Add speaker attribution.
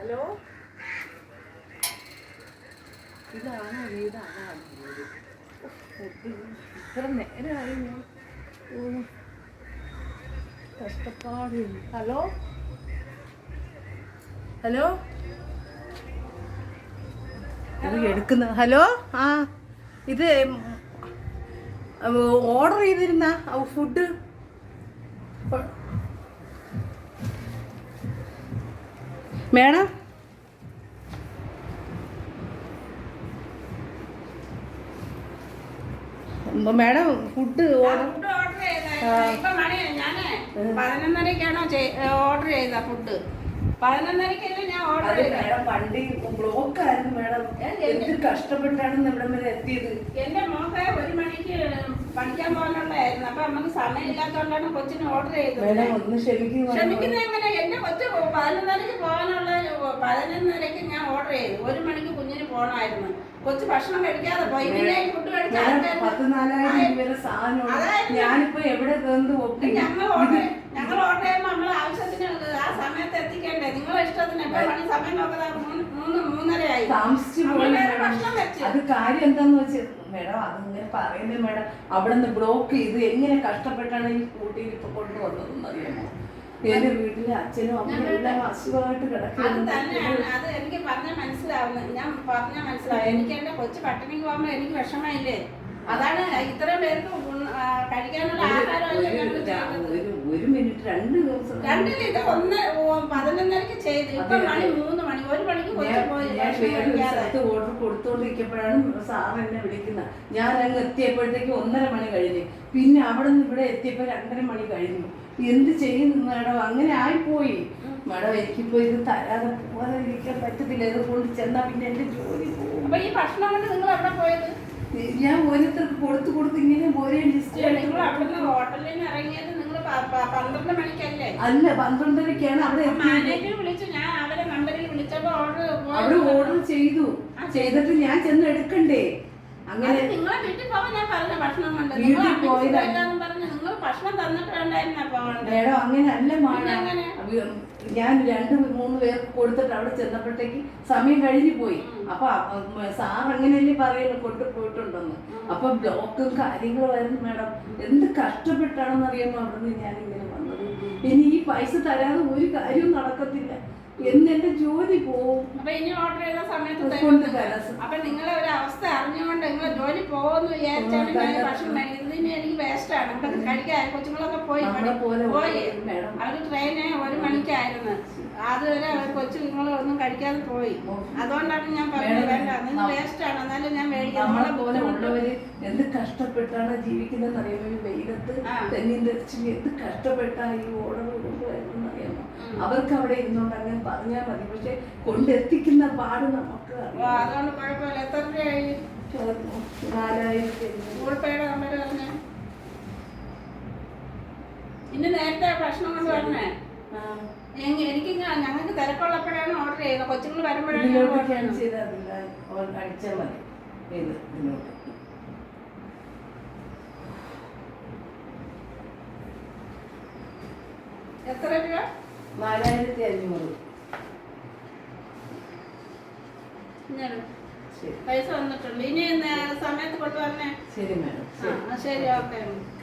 Speaker 1: Hello, ഇതാണോ വീടാണോ? ഇത്ര നേരമായി ഞാൻ കഷ്ടപ്പാട്. ഹലോ ഹലോ, ഇത് എടുക്കുന്ന ഹലോ. ആ, ഇത് ഓർഡർ ചെയ്തിരുന്ന food madam. Madam food order
Speaker 2: 11:30ക്കാണോ ഓർഡർ ചെയ്ത ഫുഡ്? 11:30 ഞാൻ ഓർഡർ ചെയ്ത.
Speaker 1: മേഡം വണ്ടി ബ്ലോക്ക് ആയിരുന്നു മേഡം. എന്ത് കഷ്ടപ്പെട്ടാണ് ഇവിടെ വരെ എത്തിയത്.
Speaker 2: എന്റെ മോക്ക് 1 മണിക്ക് പഠിക്കാൻ പോകാനുള്ളതായിരുന്നു. അപ്പൊ നമുക്ക് സമയമില്ലാത്തോണ്ടാണ് കൊച്ചിന് ഓർഡർ ചെയ്തത്. ക്ഷമിക്കുന്ന എങ്ങനെ? എന്റെ കൊച്ചു 11:30ക്ക് പോകാനുള്ള 11:30ക്ക് ഞാൻ ഓർഡർ ചെയ്തു. 1 മണിക്ക് കുഞ്ഞിന് പോകണമായിരുന്നു. കൊച്ചു ഭക്ഷണം കഴിക്കാതെ പോയി. ഫുഡ് കഴിച്ചാൽ
Speaker 1: ഞാനിപ്പോ എവിടെ
Speaker 2: ഞങ്ങൾ ഓർഡർ ചെയ്യുമ്പോൾ നമ്മളെ ആവശ്യത്തിന് ആ സമയത്ത് എത്തിക്കേണ്ടേ? നിങ്ങളെ ഇഷ്ടത്തിന് എപ്പോ പണി സമയം നോക്കാതെ 3:30
Speaker 1: താമസിച്ചു പോയി. അത് കാര്യം എന്താന്ന് വെച്ചാൽ മേഡം, അതിങ്ങനെ പറയുന്നത് മേഡം, അവിടെ നിന്ന് ബ്ലോക്ക് ചെയ്ത് എങ്ങനെ കഷ്ടപ്പെട്ടാണ് ഈ സ്കൂട്ടിയിൽ ഇപ്പൊ കൊണ്ടുവന്നതെന്ന് അറിയാമോ? എന്റെ വീട്ടിലെ അച്ഛനും അമ്മയും എല്ലാം അസുഖമായിട്ട് കിടക്കുന്നു.
Speaker 2: അത് എനിക്ക് പറഞ്ഞാൽ മനസ്സിലാവുന്നത്. ഞാൻ പറഞ്ഞാൽ മനസ്സിലാവും. എനിക്ക് എന്റെ കൊച്ചു പട്ടിണിക്ക് പോകുമ്പോ എനിക്ക് വിഷമമില്ലേ? അതാണ് ഇത്രയും പേർക്ക് കഴിക്കാനുള്ള ആഹാരം.
Speaker 1: 1 മിനിറ്റ് 2 ദിവസം
Speaker 2: 2 ഇത് 11:30ക്ക് ചെയ്ത്. ഇപ്പൊ മണി 3 മണി. 1 മണിക്ക്
Speaker 1: ഓർഡർ കൊടുത്തോണ്ടിരിക്കുമ്പോഴാണ് സാർ എന്നെ വിളിക്കുന്നത്. ഞാൻ അങ്ങ് എത്തിയപ്പോഴത്തേക്ക് 1:30 മണി കഴിഞ്ഞു. പിന്നെ അവിടെ നിന്ന് ഇവിടെ എത്തിയപ്പോ 2:30 മണി കഴിഞ്ഞു. എന്ത് ചെയ്യുന്നു മേഡം? അങ്ങനെ ആയിപ്പോയി മേഡം. എനിക്കിപ്പോ ഇത് തരാതെ പോകാതെ ഇരിക്കാൻ പറ്റത്തില്ല. ഇത് കൊണ്ട് ചെന്നാ പിന്നെ എന്റെ ജോലി പോകും.
Speaker 2: അപ്പൊ ഈ ഭക്ഷണം കൊണ്ട് നിങ്ങൾ എവിടെ പോയത്?
Speaker 1: ഞാൻ ഓരോരുത്തർക്ക് കൊടുത്ത് ഇങ്ങനെ ഓരോ ലിസ്റ്റ്.
Speaker 2: നിങ്ങൾ അവിടുന്ന് ഹോട്ടലിൽ നിന്ന് ഇറങ്ങിയത് നിങ്ങൾ 12 മണിക്കല്ലേ?
Speaker 1: അല്ല, 12:30ക്കാണ് അവിടെ
Speaker 2: മാനേജർ വിളിച്ചു. ഞാൻ അവരെ നമ്പറിൽ വിളിച്ചപ്പോ
Speaker 1: അവിടെ ഓർഡർ ചെയ്തിട്ട് ഞാൻ ചെന്ന് എടുക്കണ്ടേ? അങ്ങനെ
Speaker 2: നിങ്ങളെ വീട്ടിൽ പോവാൻ ഞാൻ പറഞ്ഞ ഭക്ഷണം കൊണ്ട് പറഞ്ഞു. നിങ്ങൾ ഭക്ഷണം തന്നിട്ട് വേണ്ടായിരുന്ന പോകണ്ടേ?
Speaker 1: മേഡം അങ്ങനെ അല്ല മാഡം. ഞാൻ 2-3 പേർക്ക് കൊടുത്തിട്ട് അവിടെ ചെന്നപ്പോഴത്തേക്ക് സമയം കഴിഞ്ഞു പോയി. അപ്പൊ സാർ അങ്ങനെയല്ലേ പറയുന്നു കൊണ്ടുപോയിട്ടുണ്ടെന്ന്. അപ്പൊ ബ്ലോക്കും കാര്യങ്ങളും ആയിരുന്നു മേഡം. എന്ത് കഷ്ടപ്പെട്ടാണെന്ന് അറിയാമോ അവിടെ നിന്ന് ഞാൻ ഇങ്ങനെ വന്നത്. ഇനി ഈ പൈസ തരാതെ ഒരു കാര്യവും നടക്കത്തില്ല. എന്റെ ജോലി പോവും.
Speaker 2: അപ്പൊ ഇനി ഓർഡർ ചെയ്ത സമയത്ത് അപ്പൊ നിങ്ങളെ ഒരു അവസ്ഥ അറിഞ്ഞുകൊണ്ട് നിങ്ങളെ ജോലി പോകുമെന്ന് വിചാരിച്ചാണ് ഞാൻ ഭക്ഷണം കഴിക്കുന്നത്. എനിക്ക് വേസ്റ്റ് ആണ്. കഴിക്കാൻ കൊച്ചുങ്ങളൊക്കെ പോയി. അവര് ട്രെയിന് 1 മണിക്കായിരുന്നു. അതുവരെ കൊച്ചു നിങ്ങളൊന്നും കഴിക്കാതെ പോയി. അതുകൊണ്ടാണ് ഞാൻ പറഞ്ഞത് വേണ്ട, നിങ്ങൾ വേസ്റ്റ് ആണ്. എന്നാലും ഞാൻ
Speaker 1: മേടിക്കാം. എന്ത് കഷ്ടപ്പെട്ടാണ് ജീവിക്കുന്നത് അറിയാമോ? ഈ വെയിലത്ത് തെന്നിയും തെറിച്ച് എന്ത് കഷ്ടപ്പെട്ടാ ഈ ഓർഡർ കൊണ്ടുവരുന്നത് അറിയാമോ? അവർക്ക് അവിടെ ഇരുന്നോണ്ട് അങ്ങനെ പറഞ്ഞാൽ മതി. പക്ഷെ കൊണ്ടെത്തിക്കുന്ന പാട് നമുക്ക്
Speaker 2: അതുകൊണ്ട് കുഴപ്പമില്ല. എത്ര രൂപയായി?
Speaker 1: 4000.
Speaker 2: ഗൂഗിൾ പേയുടെ നമ്പർ പറഞ്ഞേ. ഇന്ന് നേരത്തെ ഭക്ഷണം കൊണ്ട് വരണേ. എനിക്ക് ഞങ്ങൾക്ക് തിരക്കുള്ളപ്പോഴാണ് ഓർഡർ ചെയ്യുന്നത്. കൊച്ചുങ്ങൾ വരുമ്പോഴാണ്
Speaker 1: അടിച്ചാൽ മതി.
Speaker 2: എത്ര രൂപ?
Speaker 1: 4500.
Speaker 2: പൈസ വന്നിട്ടുണ്ട്. ഇനി സമയത്ത് കൊണ്ടുവരണേ.
Speaker 1: ശരി മേഡം.
Speaker 2: ശരി, ഓക്കെ.